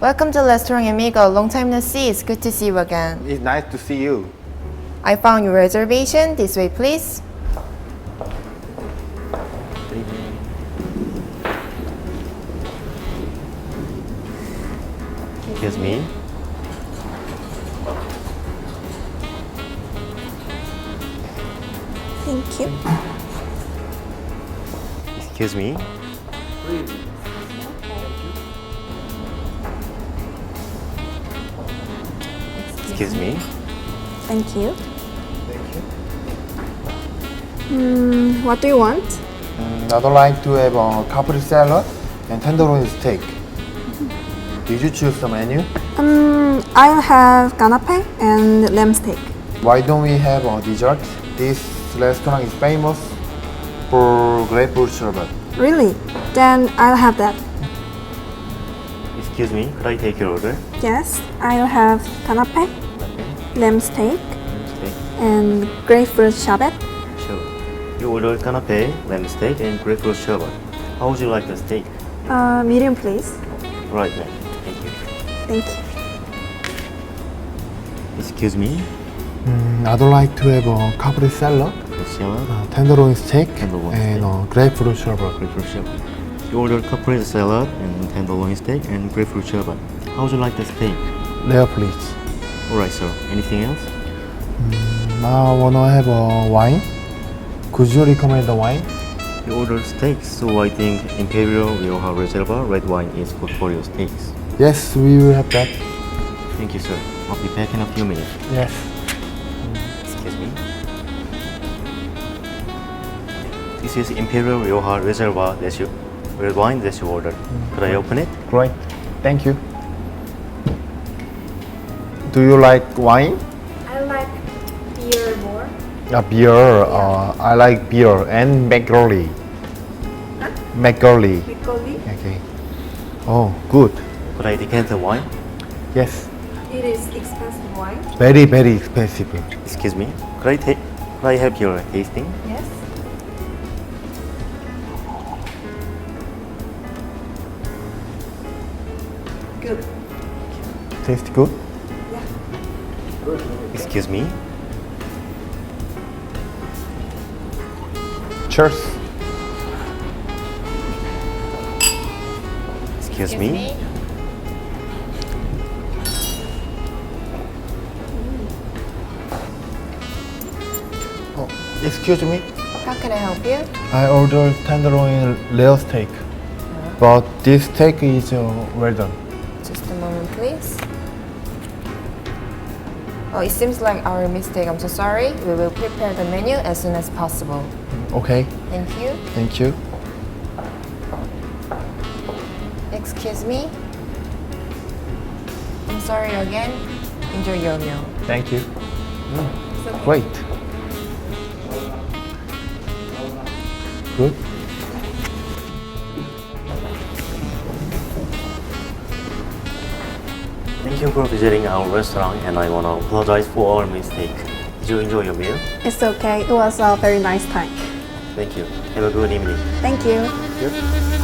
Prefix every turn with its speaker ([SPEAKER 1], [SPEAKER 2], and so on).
[SPEAKER 1] Welcome to Restaurant Amigo. Long time no see. It's good to see you again.
[SPEAKER 2] It's nice to see you.
[SPEAKER 1] I found your reservation. This way, please.
[SPEAKER 3] Excuse me.
[SPEAKER 4] Thank you.
[SPEAKER 3] Excuse me. Excuse me.
[SPEAKER 4] Thank you. What do you want?
[SPEAKER 2] I'd like to have a caprese salad and tenderloin steak. Did you choose the menu?
[SPEAKER 4] I'll have canapé and lamb steak.
[SPEAKER 2] Why don't we have a dessert? This restaurant is famous for grapefruit sherbet.
[SPEAKER 4] Really? Then I'll have that.
[SPEAKER 3] Excuse me. Could I take your order?
[SPEAKER 4] Yes, I'll have canapé, lamb steak,
[SPEAKER 3] Steak.
[SPEAKER 4] and grapefruit sherbet.
[SPEAKER 3] Sure. You ordered canapé, lamb steak, and grapefruit sherbet. How would you like the steak?
[SPEAKER 4] Medium, please.
[SPEAKER 3] Right, ma'am. Thank you.
[SPEAKER 4] Thank you.
[SPEAKER 3] Excuse me.
[SPEAKER 2] I'd like to have a caprese salad,
[SPEAKER 3] Salad,
[SPEAKER 2] tenderloin steak,
[SPEAKER 3] Tenderloin
[SPEAKER 2] and
[SPEAKER 3] steak.
[SPEAKER 2] grapefruit sherbet.
[SPEAKER 3] grapefruit sherbet. You ordered caprese salad and tenderloin steak and grapefruit sherbet. How would you like the steak?
[SPEAKER 2] There, please.
[SPEAKER 3] Alright, sir. Anything else?
[SPEAKER 2] I wanna have a wine. Could you recommend the wine?
[SPEAKER 3] You ordered steaks, so I think Imperial Rioja Reserva red wine is good for your steaks.
[SPEAKER 2] Yes, we will have that.
[SPEAKER 3] Thank you, sir. I'll be back in a few minutes.
[SPEAKER 2] Yes.
[SPEAKER 3] Excuse me. This is Imperial Rioja Reserva red wine that you ordered. Could I open it?
[SPEAKER 2] Great. Thank you. Do you like wine?
[SPEAKER 4] I like beer more.
[SPEAKER 2] Beer. I like beer and McGurley. McGurley.
[SPEAKER 4] Piccoli.
[SPEAKER 2] Okay. Oh, good.
[SPEAKER 3] Could I decant the wine?
[SPEAKER 2] Yes.
[SPEAKER 4] It is expensive wine.
[SPEAKER 2] Very, very expensive.
[SPEAKER 3] Excuse me. Could I have your tasting?
[SPEAKER 4] Yes. Good.
[SPEAKER 2] Taste good?
[SPEAKER 3] Excuse me.
[SPEAKER 2] Cheers.
[SPEAKER 3] Excuse me.
[SPEAKER 2] Oh, excuse me.
[SPEAKER 1] How can I help you?
[SPEAKER 2] I ordered tenderloin rare steak. But this steak is well done.
[SPEAKER 1] Just a moment, please. Oh, it seems like our mistake. I'm so sorry. We will prepare the menu as soon as possible.
[SPEAKER 2] Okay.
[SPEAKER 1] Thank you.
[SPEAKER 2] Thank you.
[SPEAKER 1] Excuse me. I'm sorry again. Enjoy your meal.
[SPEAKER 2] Thank you. Great. Good.
[SPEAKER 3] Thank you for visiting our restaurant, and I want to apologize for our mistake. Did you enjoy your meal?
[SPEAKER 4] It's okay. It was a very nice time.
[SPEAKER 3] Thank you. Have a good evening.
[SPEAKER 4] Thank you.
[SPEAKER 3] Here.